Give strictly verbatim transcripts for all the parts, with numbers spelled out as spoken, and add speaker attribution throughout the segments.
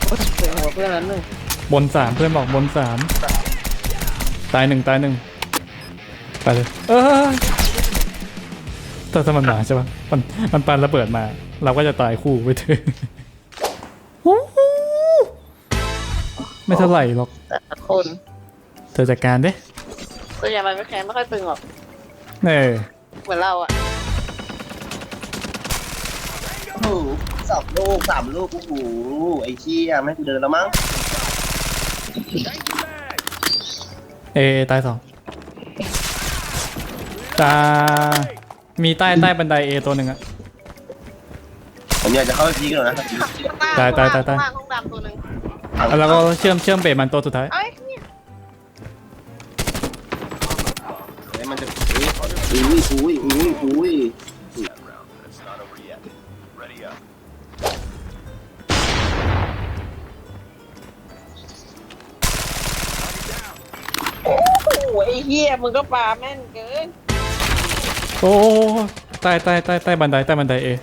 Speaker 1: เสียงหัวเพื่อนนั้นหนึ่ง
Speaker 2: บนสามเพื่อนบอกบนสามตายหนึ่งตายหนึ่งไปเลยเออถ้าถ้ามันมาใช่ปะมันมันปาระเบิดมาเราก็จะตายคู่ไปเถอะไม่เท่าไหร่หรอก
Speaker 1: แต่ละคน
Speaker 2: เธอจัดการดิ
Speaker 1: ส่วนใหญ่มันไม่แข็งไม่ค่อยตึงหรอก
Speaker 2: เออ
Speaker 1: เหมือนเราอะ
Speaker 3: โอ้โหสองลูกสามลูกโอ้โหไอ้เชี่ยไม่กูเดินแล้วมั้ง
Speaker 2: เอตายสองตามีใต้ใต้บันไดเอตัวหนึ่งอะ
Speaker 3: ผมอยากจะเข้าไปพีกันหน่อยนะ
Speaker 2: ตายตายตายตาย
Speaker 1: ห้องดำตัวหนึ่ง
Speaker 2: แล้วก็เชื่อมเชื่อมเบรมันตัวสุดท้าย
Speaker 1: เอ้ยเนี่ย
Speaker 3: เฮ้ยมันจะอุ้ยอุ้ยอุ้ยอุ้ย
Speaker 1: โอ้โหไอ้เหี้ยมึงก็ปาแม่นเกิน
Speaker 2: โอ้ใต้ใต้ใต้ใต้บันไดใต้บันไดเอ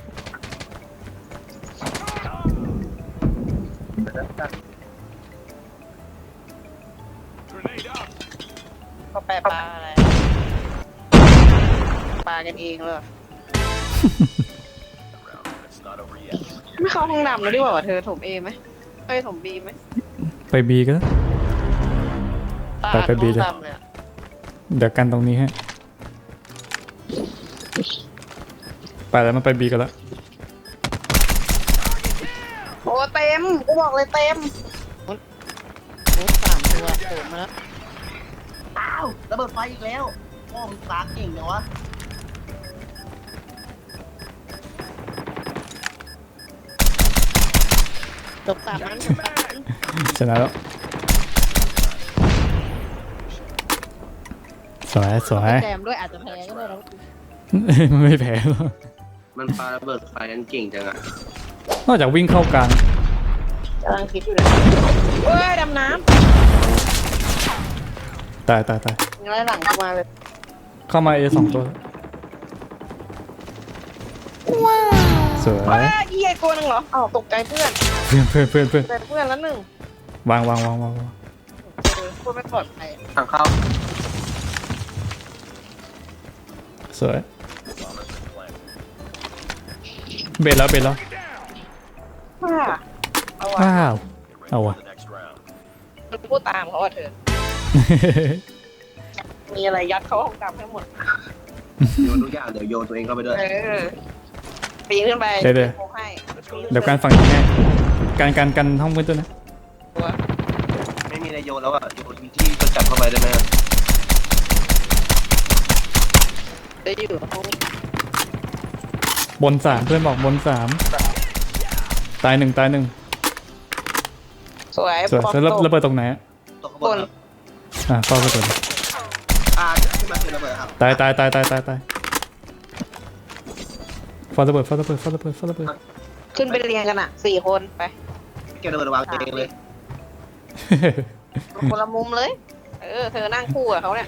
Speaker 1: ก็แปลปลาอะไรปลากันเองเลยไม่เข้าห้องดำแล้วดีกว่าเธอถมเอไหมเอ้ยถมบีไหม
Speaker 2: ไปบีก็ไปไปบีเลยเดี๋ยวกันตรงนี้ฮะไปแล้วมันไปบีกันแล้ว
Speaker 1: โอ้เต็มกูบอกเลยเต็มโอ้สามตัวโดดมาแล้ว
Speaker 3: อ้าวระเบิดไฟอีกแล้วโอ้มึงตาเก่งจังวะ
Speaker 1: จบสามนั้นจบสามนั้น
Speaker 2: ชนะแล้วสวยสวย
Speaker 1: แจมด้วยอาจจะแพ้ก็ได้แล้ว
Speaker 2: มันไม่แพ้หรอก
Speaker 3: มันปาระเบิดไฟนั้นเก่งจังอะ
Speaker 2: นอกจากวิ่งเข้ากลาง
Speaker 1: กำลังคิดอยู่เลยเฮ้ยดำน้
Speaker 2: ำตายตายตาย
Speaker 1: งั้นหลังเข้ามาเลย
Speaker 2: เข้ามาเอสองตัว
Speaker 1: ว้าว
Speaker 2: สวย
Speaker 1: ว้าเยี่ยตัวนึงเหรออ้าวตกใจเพื่อน
Speaker 2: เพื่อนเพื่อนเพื่อนเพื่อน
Speaker 1: เพื่อนแล้วหนึ่ง
Speaker 2: วางวางวางวางวาง
Speaker 1: พูดไม่ปลอดภัย
Speaker 3: ทางเข้า
Speaker 2: สวยเบ็ดแล้วเบ็ดแล้ว
Speaker 1: ว้าเอาวะ
Speaker 2: ว้าวเอาวะ
Speaker 1: พูดตามเขาอ่ะเธอมีอะไรยัดเข้าห้องดำให้หมด
Speaker 3: โยนทุกอย่างเดี๋ยวโยนตัวเองเข้าไปด้วย
Speaker 1: เออปีนขึ้นไป
Speaker 2: เดี๋ยวเดี๋ยวเดี๋ยวการฝั่งนี้แน่การการกันห้องมืดด้วยนะ
Speaker 3: ไม่มีอะไรโยนแล้วอ่ะโยนที่จะจับเข้าไปได้ไหม
Speaker 1: ได้อยู่ห้อง
Speaker 2: บนสามเพื่อนบอกบนสามตายหนึ่งตายหนึ่ง
Speaker 1: สวย
Speaker 2: สวยแล้วระเบิดตรงไหน
Speaker 3: บน
Speaker 2: อ่ะเข้าไปก่อน
Speaker 3: อ่าขึ้นมาเป็นระเบิดครับ
Speaker 2: ตายตายตายตายตายตายฟาระเบิดฟาระเบิดฟาระเบิดฟาระเบิด
Speaker 1: ขึ้นไปเรียงกันอ่ะสี่คนไป
Speaker 3: เก็บระเบิดวางเองเลย
Speaker 1: คนละมุมเลยเออเธอนั่งคู่กับเขาเนี่ย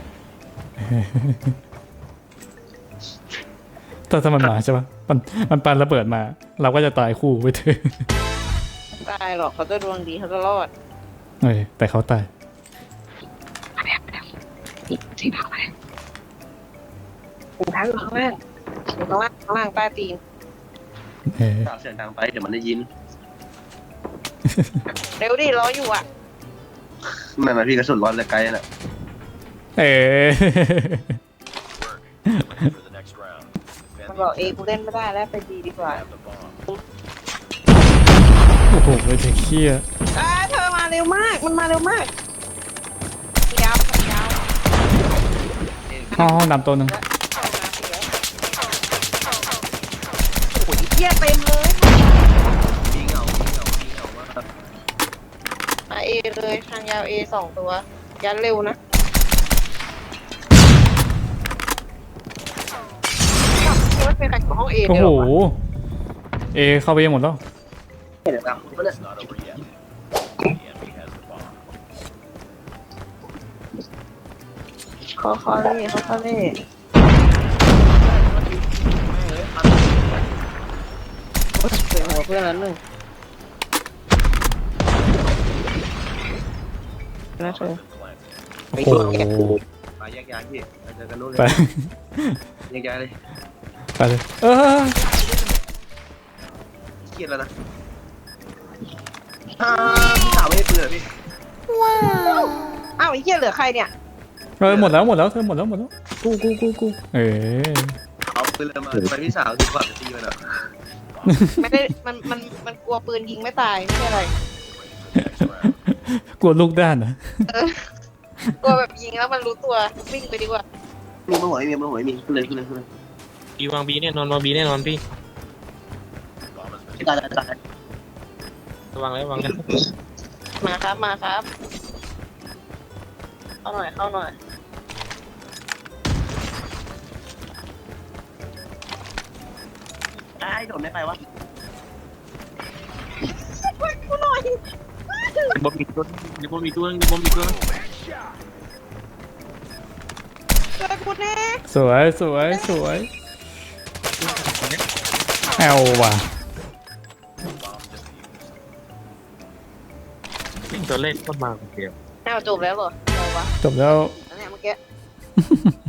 Speaker 2: ถ้าถ้ามันมาใช่ปะมันมันปาระเบิดมาเราก็จะตายคู่ไปเถอะ
Speaker 1: ตายหรอกเขาจะดวงดีเขาจะรอด
Speaker 2: เฮ้ยแต่เขาตาย
Speaker 1: สีขาวไหมหูท้ายอยู่ข้างล่างอยู่ข้างล่างข้างล่างใต้ตีน
Speaker 2: เฮ้ย
Speaker 3: เสียงดังไปเดี๋ยวมันได้ยิน
Speaker 1: เร็วดิรออยู่อ่ะ
Speaker 3: ไม่มาพี่กระสุนร้อนเลยไกลน่ะ
Speaker 2: เอ๊
Speaker 1: มันบอกเอกูเล่นไม่ได้แล้วไปดีดีกว่า
Speaker 2: โอ้โหไอ้เด็กเขี้ย
Speaker 1: อ่าเธอมาเร็วมากมันมาเร็วมากยาวยาว
Speaker 2: ห้องห้องดำตัวหนึ่ง
Speaker 1: โอ้ยเยี่ยเต็มเลย
Speaker 3: มีเงามีเงามีเงามาก
Speaker 1: มาเอเลยทางยาวเอสองตัวยันเร็วนะไม่เป็นใครของห้องเอ
Speaker 2: โอ้โหเอเข้าไปหมดแล้ว
Speaker 3: เห็นแล้ว
Speaker 1: ขอขอเล่ขอขอเล่เสียงหัวเพื่อนนั้นหนึ่งนะเธอ
Speaker 2: โอ้โห
Speaker 3: ไปแยกย้ายพี่ไปเจอกันนู่นเลย
Speaker 2: ไป
Speaker 3: แยกย้ายเลย
Speaker 2: ไปเลยเออ
Speaker 3: เครียดแล้วนะอ่าพี่สาวไม่ได้ปืนเหรอพี่
Speaker 1: อ้าวไอ้เหี้ยเหลือใครเนี่ย
Speaker 2: เออหมดแล้วหมดแล้วเธอหมดแล้วหมดแล้วกูกูกูกูเออ
Speaker 3: เอาปืนเลยมาทำไมพี่สาวถึงกว่าจะตีมันอ่ะ
Speaker 1: ไม่ได้มันมันมันกลัวปืนยิงไม่ตายไม่ใช่อะไร
Speaker 2: กลัวลูกด้านนะ
Speaker 1: เออกลัวแบบยิงแล้วมันรู้ตัววิ่งไปดีกว่า
Speaker 3: มีมาหวยมีมาหวยมีขึ้นเลยขึ้นเลยขึ้นเลย
Speaker 4: บีวางบีแน่นอนวางบีแน่นอนพี่
Speaker 3: ตายตายตาย
Speaker 4: วางแล้ววางแล้ว
Speaker 1: มาครับมาครับเข้าหน่อยเข้าหน่อย
Speaker 3: ไอ้โดนไม่ไปวะ
Speaker 1: กูหน่อย
Speaker 4: บอมมีตัวเดี๋ยวบอมมีตัวนึงเดี๋ยวบอมมีตัวนึง
Speaker 1: ช่วยกูแน่
Speaker 2: สวยสวยสวยแอลว่ะ
Speaker 4: วิ่งตัวเล่นก็มาคนเดียว
Speaker 1: อ้าวจบแล้วเหรออะไรวะ
Speaker 2: จบแล้ว
Speaker 1: อันเนี้ยเมื่อกี้